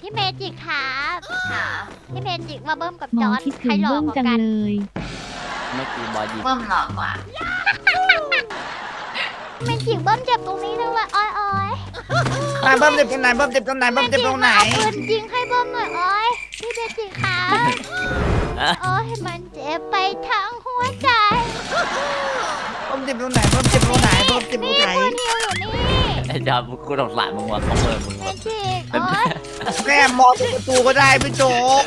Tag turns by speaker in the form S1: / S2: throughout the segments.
S1: พี่เมจิกครับพี่เมจิกมาเบิ้มกับ
S2: หม
S1: จ
S2: อ
S1: อร์ด
S2: คิด
S1: ใคร
S2: ถึง
S1: หล่อ
S2: เบิ้ม
S1: กว่า
S2: จัง
S1: กัน
S2: เลย
S3: เมื่อกี้บอดี้
S4: เบิ้มหลอกกว่า
S1: เมจิกเบิ้มเจ็บตรงนี้ด้วยว่ะอ้อยอ้อย
S5: นายเบิ้มเจ็บตรงไหนเบิ้มเจ็บตรงไหนเบิ้มเจ็บตรงไหน
S1: เอาปืนยิงให้เบิ้มหน่อยอ้อยพี่เมจิกครับโอ้ยมันเจ็บไปทั้งหัวใจ
S5: เบิ้มเจ็บตรงไหนเบิ้มเจ็บตรงไหนเบิ้มเจ็บตร
S1: นี่
S5: งไหน
S1: ปืนฮิวอยู่นี่
S3: ไอ้จอกูสงสารมึงว่ะเขาเมินมึง
S1: เม
S3: ว่ะ
S1: จิกโอ้ย
S5: แม่มองประตูก็ได้พี่โจ๊ก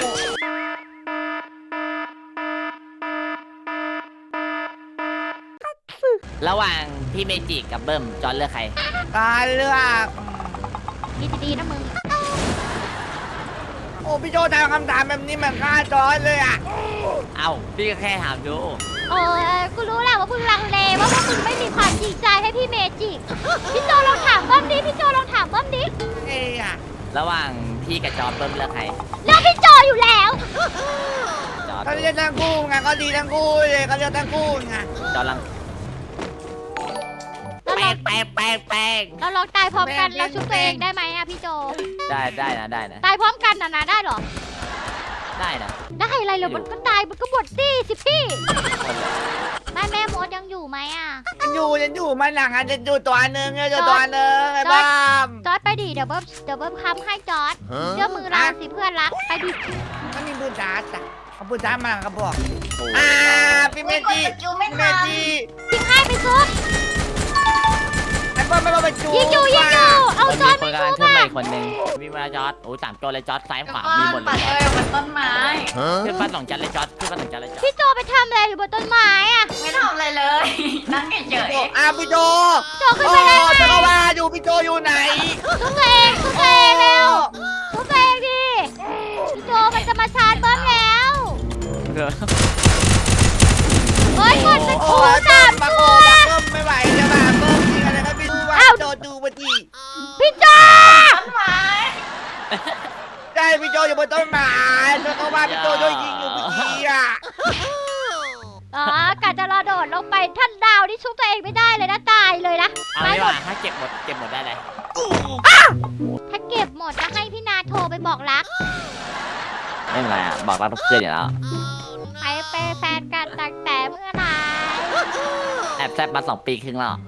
S3: ระหว่างพี่เมจิกับเบิ้มจอร์ดเลือกใคร
S5: ตายเลือก
S1: คิดดีๆนะมึง
S5: โอ้พี่โจ๊กถามคำถามแบบนี้เหมือนฆ่าจอยเลยอ่ะ
S3: เอ้าพี่ก็แค่ถามดู
S1: โอ้ยกูรู้แหละว่ามึงลังเลว่าพวกมึงไม่มีความจริงใจให้พี่เมจิกพี่โจลองถามเบิ้มดิพี่โจลองถามเบิ้มดิ
S5: เอ้ยอ่ะ
S3: ระหว่างพี่กับจอร์ดเบิ้มเลือกใคร
S1: เลือกพี่โจอยู่แล้ว
S3: จอร์ด
S5: เขาเรียกทั้งคู่ไงก็ดีทั้งคู่เลยเขาเรียกทั้งคู่ไง
S3: จอร์ดลัง แป้ง
S1: เราลองตายพร้อมกันเราชุบตัวเองได้ไหมอะพี่โจ
S3: ได้นะ
S1: ตายพร้อมกันนะได้เหรอ
S3: ได้นะ
S1: ได้อะไรเหรอมันก็ตายมันก็หมดสิพี่
S3: คนเลย
S1: แม่มดยังอยู่ไหมอะ
S5: ฉันอยู่มาหนังอ่ะฉันอยู่ตัวหนึ่งไงอยู่ตัวหนึ่งไอ้บ้าม
S1: จอร์ดไปดิเดี๋ยวเบิ้มค้ำให้จอร์ดเชื่อมือเราสิเพื่อนรักไปดิ
S5: มันมีปืนจ้าจ้ะเอาปืนจ้ามาหลังกระบอก
S3: โอ้
S5: พี่เมจิ
S4: จูไม่
S5: พี่เม
S4: ทัน
S5: จิ
S1: ยิงให้ไปซุป
S5: ไอ้เบิ้มไม่ต้องไปจู
S1: ยิงอยู่เอา
S3: มัน
S1: จอ
S3: มี
S1: ร์ด
S3: ค
S1: ไป
S3: นกำลังขึ้น
S1: ซุปอะ
S3: มาอีกคนนึงมีมาจอร์ดโอ้3ตัวเลยจอร์ดซ้ายขวามีหมดเล
S4: ปัด
S3: ย
S4: เลยบนต้นไม้
S3: ขึ้นบ้านสองชั้นเลยจอร์ดขึ้นบ้านสองชั้นเลยจอร์ด
S1: พี่โจไปทำอะไรอยู่บนต้นไม้อะ
S4: ไม่ทำอะไรเลย นั่งเฉย
S5: พี่โจ
S1: โจขึ้นไปได้ไง
S5: จะเข้ามาอยู่พี่โจอยู่ไหน
S1: ชุบตัวเองเร็วชุบตัวเองดิพี่โจมันจะมาชาร์จเบิ้มแล้ว โอ้ยกดเป็นครูสาม
S5: มา
S1: ตั
S5: โก
S1: ว
S5: มาเบิ้มไม่ไหวจะมาเบิ้มจริงอะไรครับพี่ดูว่าโจดูมาที
S1: พี่โจ
S4: ๆต้นไม้
S5: ได้พี่โจอยู่บนต้นไม้แล้วก็ว่าพี่โจโดนยิงอยู่เมื่อกี้อ่ะ
S1: อ๋อกะจะรอโดดลงไปท่านดาวนี่ชุบตัวเองไม่ได้เลยนะตายเลยนะ
S3: เอาดีกว่าถ้าเก็บหมดได้เลย
S1: ถ้าเก็บหมดจะให้พี่นาโทรไปบอกรัก
S3: ไม่เป็นไรอ่ะบอกรักเพื่อนอยู่แล้ว
S1: ไปเป็นแฟนกันตั้งแต่เมื่อไหร่
S3: แอบแซบมา2 ปีครึ่งแล้ว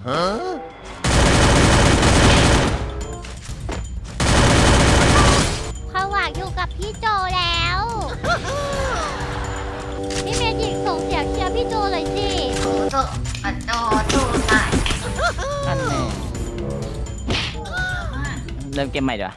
S1: เขาหวังอยู่กับพี่โจแล้ว พี่เมจิกส่งเสียงเชียร์พี่โจเลยสิ
S4: โอ้โจปัดโจจูตาย
S3: นั่นแน่เริ่มเกมใหม่ดีกว่า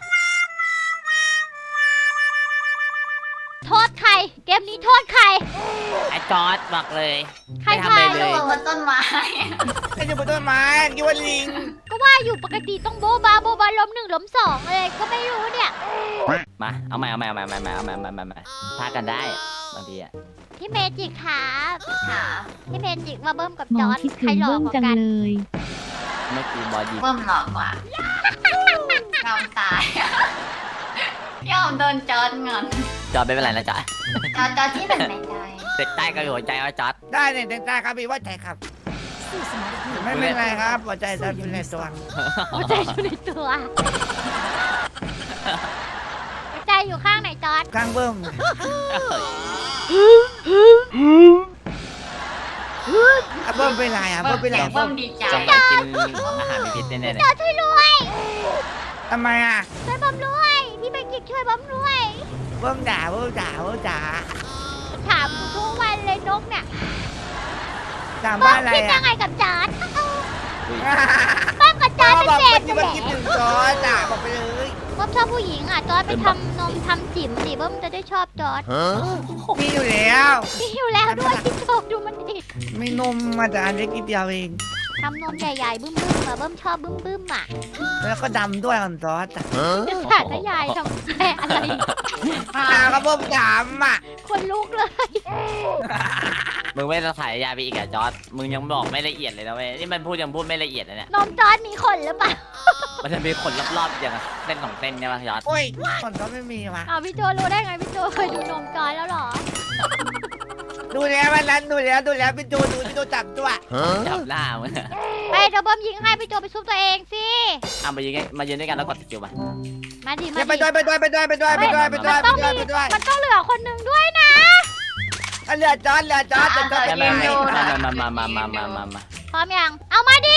S1: โทษใคร เกมนี้โทษใคร
S3: ไอ้จอร์ดบอกเลย
S1: ใคร
S3: ไม่ทำอะไร
S1: ทาย
S3: เล
S4: จู
S3: ย
S4: บนต้นไม้
S5: ไอ้อยู่บนต้นไม้คิดว่าลิง
S1: ก็ว่าอยู่ปกติต้องโบบาล้มหนึ่งล้มสองเลยก็ไม่รู้เนี่ย
S3: มาเอาใหม่พากันได้บางทีอ่ะ
S1: พี่เมจิกครับ
S4: ค่ะ
S1: พี่เมจิกมาเบิ้มกับ
S2: หม
S1: จ
S2: อ
S1: อร์ด
S2: คิด
S1: ใคร
S2: ถึง
S1: หล่อ
S2: เบิ้ม
S1: กว่า
S2: จัง
S1: กัน
S2: เลย
S3: เมื่อกี้บอดี้
S4: เบิ้มหลอกกว่ายอมตายยอมโดนจอดเงิน
S3: จอร์ดไม่เป็นไรนะจอร์ด
S4: จอที่หนึ่งในใจ
S3: เด็กใต้ก็อยู่หัวใจว่าจอร์ด
S5: ได้เนี่ยแต่ได้ครับพี่ว่าใจครับไม่เป็นไรครับหัวใจจะอยู่ในตัว
S1: หัวใจอยู่ในตัวหัวใจอยู่ข้างไหนจอร์ด
S5: ข้างเบิ้ม เบิ้มเป็นไรอ่ะเบิ้มเป็นไร
S4: เบิ้มดีใจ
S3: จงไปกินอาหารมีพิษแน่ๆเลย
S1: จอร์ดช่วยด้วย
S5: ทำไมอ่ะ
S1: ช่วยเบิ้มด้วยพี่เมจิกช่วยเบิ้มด้วย
S5: เบิ้มด่าเบิ้มด่าเบิ้มด่า
S1: ถามกูทุกวันเลยนกเนี่ย
S5: ด่า
S1: เบิ้
S5: บ้าม อะไร
S1: คิดยั
S5: อ่ะ
S1: งไงกับจอร์ด
S3: อุ้ย
S1: เบิ้มกับจอร์ด
S5: บอก
S1: เป็น
S5: ที่
S1: เศ
S5: มัน
S1: ษ
S5: คิด
S1: แห
S5: ถึ
S1: ละ
S5: งจอด่าบอกไปเลย
S1: เบิ้มชอบผู้หญิงอ่ะจอร์ดไปทำนมทำจิ๋มดิเบิ้มจะได้ชอบจอร์ด
S5: มีอยู่แล้ว
S1: มีอยู่แล้วด้วยพี่โจดูมันดิ
S5: มีนมมาแต่อันเล็กนิดเดียวเอง
S1: ทำนมใหญ่ๆบึ้มๆอ่ะเบิ้มชอบบึ้มๆอ่ะ
S5: แล้วก็ดำด้วยอ่อนซอสอ่ะ
S1: จะสาธยายทำแม่อะไร
S5: ด่าก็เบิ้มดำอ่ะ
S1: คนลุกเลย
S3: มึงไม่ต้องถ่ายยาไปอีกอะจอร์ดมึงยังบอกไม่ละเอียดเลยนะเว้ยนี่มันยังพูดไม่ละเอียดเลยเนี่ย
S1: นมจอร์ดมีขนหรือเปล่า
S3: มันจะมีขนรอบๆอย่างเส้นของเส้นใช่ไหมจอร์ด
S5: โอ้ยอ่อนซอสไม่มีว่ะ
S1: อ้าวพี่โจรู้ได้ไงพี่โจเคยดูนมจอร์ดแล้วเหรอ
S5: ดูแล้ววันนั้นดูแล้วพี่ดูจับตัว
S3: จับหน้ามึงอะ
S1: ไปเดี๋ยวเบิ้มยิงให้พี่โจไปซุบตัวเองสิ
S3: เอามายืนด้วยกันแล้วกดสกิลมา
S1: มาดิ
S5: ไปด้วย
S1: มันต้องเหลือคนหนึ่งด้วยนะ
S5: เรือจอดจะจอด
S3: มา
S5: ไปไหน
S1: พร้อมยังเอามาดิ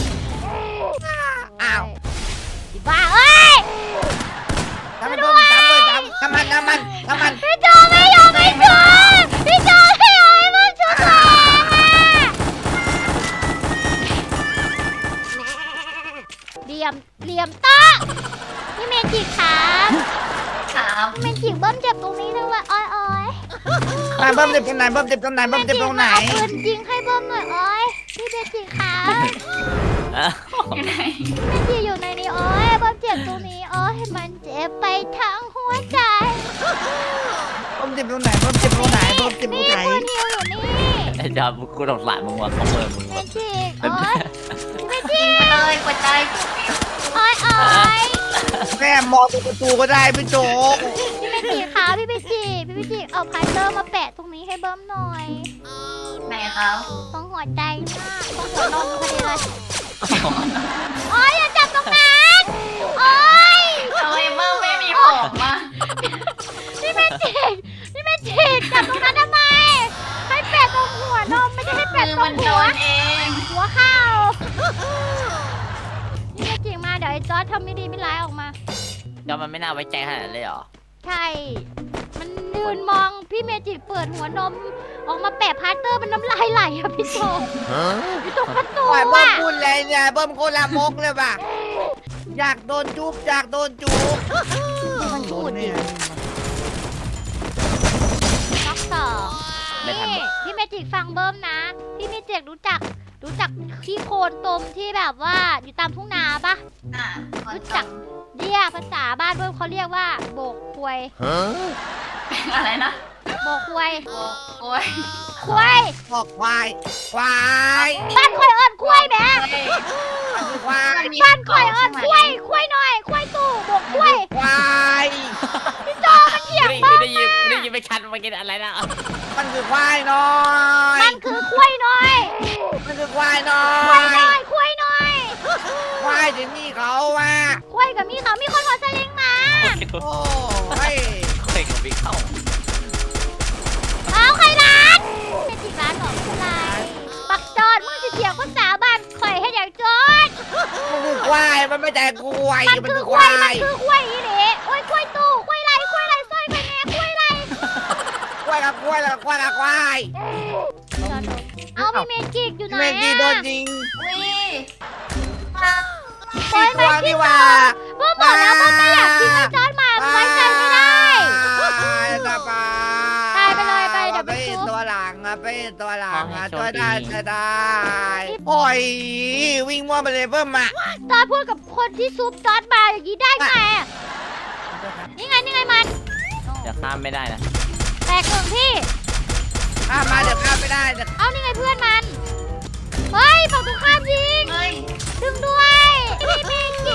S5: อ้าว
S1: บ้าเอ้ย
S5: ทำมันน้ำมัน
S1: พี่โจไม่ยอมให้ช่วยพี่โจไม่ยอมให้มันช่วยเหลี่ยมต้าพี่เมจิครับ
S4: ครับ
S1: พี่เมจิเบิ้มเจ็บตรงนี้เลยว่ะอ้อย
S5: เบิ้มเจ็บตรงไหน
S1: เอาปืนยิงให้เบิ้มหน่อยอ้อยพี่เมจิครับ
S4: อยู่ไหน
S1: พี่เมจิอยู่ในนี้อ้อยเบิ้มเจ็บตรงนี้อ้อยมันเจ็บไปทั้งหัวใจ
S5: เบิ้มเจ็บตรงไหน
S1: นี่ปืนฮิวอยู่นี่
S3: ไอ้จอดกูสงสารมึงว่ะเขาเปิดมึง
S1: เม
S3: ว่ะ
S1: จิอ้อยพี่เมจิ
S4: ยิงมาเลยหัวใจปุ๊บปิ๊บ
S1: อ้อย
S5: แม่มองตรงประตูก็ได้พี่โจ
S1: พี่เมจิคะพี่เมจิเอาพัตเตอร์มาแปะตรงนี้ให้เบิ้มหน่อย
S4: ไหนครับ
S1: ตรงหัวใจมากตรงหัวนมพอดีเลยโอ้ยอย่าจับตรงนั้นโอ้ย
S4: ทำไมเบิ้มไม่มีผมอ่ะ
S1: พี่เมจิจับตรงนั้นทำไมให้แปะตรงหัวนมไม่ได้ให้
S4: มื
S1: แปะ
S4: อ
S1: ตร
S4: มั
S1: ง
S4: นโด
S1: หัวน
S4: เอง
S1: เข่าพี่เมจิมาเดี๋ยวไอ้จอร์จทำไม่ดีไม่ร้ายออกมา
S3: จอดมันไม่น่าไว้ใจขนาดนั้นเลยเหรอ
S1: ใช่ มันยืนมองพี่เมจิเปิดหัวนมออกมาแปะพาสเตอร์มันน้ำลายไหลอะพี่โจอยู่ตรงประตู
S5: ปล่อยเบิ้ม
S1: อะ
S5: พูดเลยเนี่ยเบิ้มโคลามกเลยป่ะอยากโดนจูบ
S1: มันพูดดิล็อกสอง
S3: ไม่ทัน
S1: นี่พี่เมจิฟังเบิ้มนะ พี่เมจิรู้จักที่โคนตมที่แบบว่าอยู่ตามทุ่งนาปะ
S4: อ่ะคน
S1: รู้
S4: จั
S1: จั
S4: ก
S1: กเรียกภาษาบ้านเบิ้มเขาเรียกว่าโบกควย
S4: อะไรนะ
S1: โบกควย
S4: โอ้ย
S1: ควย
S5: บอกควาย
S1: บ้านควยเอิญควยแหม
S5: มันคือควาย
S1: บ้านควยเอิญควยควยหน่อยควยตู่โบกควย
S5: ควาย
S1: พี่โจมันเถียงบ้า
S3: ได้ยินไม่ชัดเมื่อกี้อะไรนะ
S5: มันคือควายน้อย
S1: มันคือควยหน่อย
S5: มันคือควายน้อ
S1: ควยหน่อยควยหน่อย
S5: ควายที่นี่เขาว่า
S1: ควยกับมีเขามีคนขอสลิงมา
S5: โอ้ย
S3: เคยกับพี่เข้า
S1: เอาใครร้านเป็นจิกร้านหรอไม่เป็นไรปักจอดมึงสิเถียงภาษาบ้านข่อยให้อย่างจอด
S5: มันคือควายมันไม่แต่ควาย
S1: มันคือควายมันคือควายอีเด๋โอ้ยควายตู่ควายไรสร้อยไปแม่ควายไร
S5: ควายกับควายกับควายกับควาย
S1: เอาพี่เมจิกอยู่ไหน
S5: เมจีโดน
S1: อะ
S5: ยิง
S4: อุ้ย
S1: โอ้ย
S5: ตัวนี่ว่า
S1: เมื่อบอกแล้วว่าไม่อยากทิ้งไอ้จอดมาไว้ใจไม่ได้
S5: ตาปา
S1: ตายไปเลยไปเดี๋ยวไป
S5: ไป
S1: ซุป
S5: ตัวหลังอะไปตัวหลังอะช่วยได้ช่วยได้โอ้ยวิ่งมั่วไปเลยเพิ่มมา
S1: จอดพูดกับคนที่ซุปจอดมาอย่างนี้ได้ไงอะนี่ไงมัน
S3: จะข้ามไม่ได้นะ
S1: แตกหนึ่งพี่
S5: ข้ามมาเดี๋ยวข้ามไม่ได้เดี๋ยว
S1: เอานี่ไงเพื่อนมันเฮ้ยฝั่งตรงข้ามยิง
S4: เฮ้ย
S1: ดึงด้วยพี่เมจิ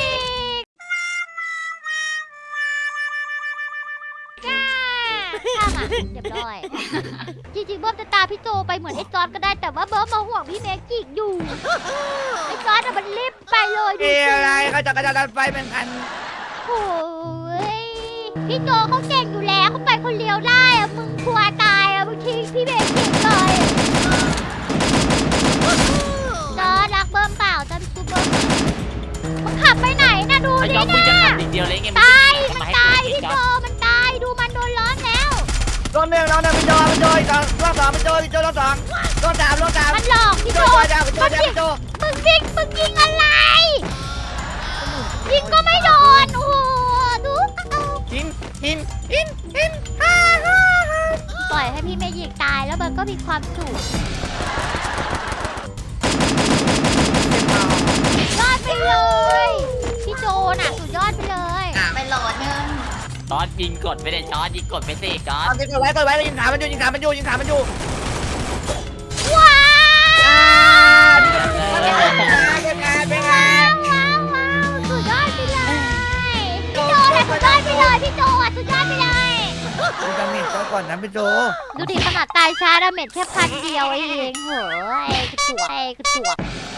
S1: ก้าข้ามอ่ะเรียบร้อยจริงๆเบิ้มจะตามพี่โจไปเหมือนไอ้จอร์ดก็ได้แต่ว่าเบิ้มมาห่วงพี่เมจิกอยู่ไอ้จอร์ดอะมันรีบไปเลยดู
S5: เอ้
S1: สิ
S5: อะไรเขาจะกระดันไฟเป็นคัน
S1: โอ้ยพี่โจเขาเก่งอยู่แล้วเขาไปคนเดียวได้อะมึงกลัวตายอะมึงทิ้งพี่เมจิกเลยจอร์ดรักเบิ้มเปล่าจอร์ดซูเบิ้มมันขับไปไหนนะดู
S3: ไอ้
S1: ดิ
S3: จอดมึงจะ
S1: เนี่ย
S3: ทำทีเดียวเลยไง
S1: ตายมันตายพี่โจมันตายดูมันโดนล้อมแล้ว
S5: รถหนึ่งพี่โจพี่โจอีกสองรถสองพี่โจรถสองรถสาม
S1: มันหลอกพี่
S5: พี่
S1: โจ
S5: โจพี่โจ
S1: มึงยิงอะไรยิงก็ไม่โดนโอ้โหดูเอา
S5: หิน
S1: ปล่อยให้พี่เมยิกตายแล้วมันก็มีความสุขยอดไปเลยพี่โจน่ะสุดยอดไปเลย
S4: ไปโหลดนึง
S3: จอดยิงกดไปเลยจอดยิงกดไปสิจอด
S5: เอาติดไว้ยิงขามันอยู่
S1: ว้าว
S5: เป็นไง
S1: ว้าวสุดยอดไปเลยพี่โจน่ะสุดยอดไปเลยพี่โจอ่ะสุดยอดไปเลย
S5: ดูดาเมจก่อนนะพี่โจ
S1: ดูดิขนาดตายช้าดาเมจแค่1,000เดียวเองเหรอกระจวก